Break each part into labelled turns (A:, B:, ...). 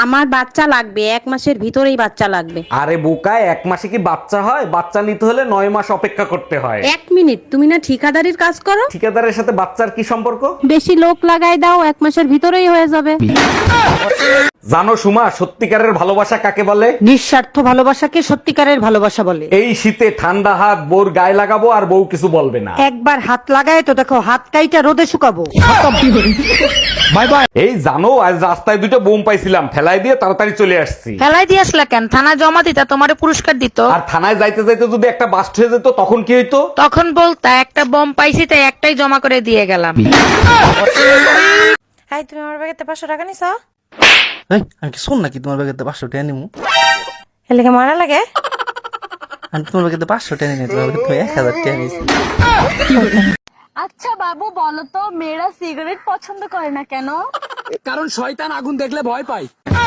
A: আমার বাচ্চা লাগবে, 1 মাসের ভিতরেই বাচ্চা লাগবে।
B: আরে বোকা, 1 মাসে কি বাচ্চা হয়? বাচ্চা নিতে হলে 9 মাস অপেক্ষা করতে হয়।
A: 1 মিনিট, তুমি না ঠিকাদারির কাজ করো?
B: ঠিকাদারের সাথে বাচ্চার কি সম্পর্ক?
A: বেশি লোক লাগাই দাও, 1 মাসের ভিতরেই হয়ে যাবে।
B: জানো সুমা, সত্যিকারের ভালোবাসা কাকে বলে?
C: নিঃস্বার্থ ভালোবাসাকে সত্যিকারের ভালোবাসা বলে।
B: এই শীতে ঠান্ডা হাত বউর গায়ে লাগাবো আর বউ কিছু বলবে না।
C: একবার হাত লাগায় তো দেখো, হাত কাইটা রোদে শুকাবো।
B: Bye bye. এই জানো, আজ রাস্তায় দুটো বোম পাইছিলাম, ফেলাই দিয়ে তাড়াতাড়ি চলে আসছি।
D: ফেলাই দিয়ে আসলা কেন? থানায় জমা দিতা, তোমারে পুরস্কার দিত।
B: আর থানায় যাইতে যাইতে যদি একটা বাস্ট হয়ে যেত তখন কি হইতো?
D: তখন বলতা একটা বম পাইছি তাই একটাই জমা করে দিয়ে গেলাম।
E: হাই, তুমি আমার ব্যাগেতে 500 টাকা নিছো?
F: আমি কি শোন নাকি তোমার ব্যাগেতে 500 টাকা নিমু?
E: এর লেগে মারা লাগে?
F: আমি তোমার ব্যাগেতে 500 টাকা নিয়ে তোমার ব্যাগেতে 1000 টাকা নিয়েছি।
G: আচ্ছা বাবু, বলো তো মেয়েরা সিগারেট পছন্দ করে না কেন?
H: কারণ শয়তান আগুন দেখলে ভয় পায়।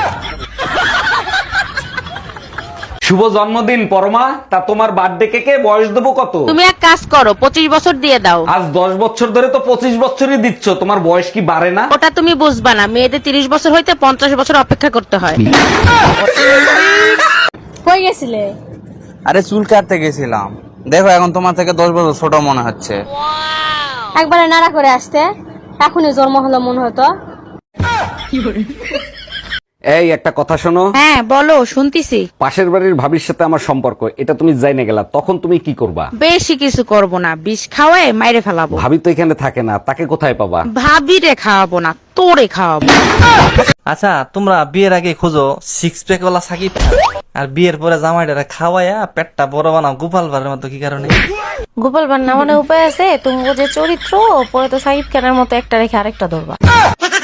B: শুভ জন্মদিন পরমা। তা তোমার বার্থডে কেকে বয়স দেবো কত?
D: তুমি এক কাজ করো, 25 বছর দিয়ে দাও।
B: আজ 10 বছর ধরে তো 25 বছরই দিচ্ছ, তোমার বয়স কি বাড়ে না?
D: ওটা তুমি বুঝবা না, মেয়েদের 30 বছর হইতে 50 বছর অপেক্ষা করতে হয়।
G: কই গেছিলে?
F: আরে চুল কাটতে গেছিলাম, দেখো এখন তোমার থেকে 10 বছর ছোট মনে হচ্ছে।
G: একবারে নাড়া করে আসতে, এখনই জন্ম হলো মনে হতো।
B: এই একটা কথা শোনো।
D: হ্যাঁ বলো, শুনতিছি।
B: পাশের বাড়ির ভাবির সাথে আমার সম্পর্ক, এটা তুমি জাইনে গেলা, তখন তুমি কি করবা?
D: বেশি কিছু করব না, বিষ খাওয়ায় মাইরে ফেলাবো।
B: ভাবি তো এখানে থাকে না, তাকে কোথায় পাবা?
D: ভাবিরে খাওয়াবো না, তোরে খাওয়াবো।
F: আচ্ছা, তোমরা বিয়ের আগে খোঁজো 6 প্যাক ওয়ালা সাকিব খান, আর বিয়ের পরে জামাইটারে খাওয়ায়া পেটটা বড় বানাও গোপাল ভাড়ের মতো, কি কারণে?
E: গোপাল ভান্না মানে উপায় আছে? তুমি যে চরিত্র পরে তো সাকিব খানের মতো একটা রেখে আরেকটা ধরবা।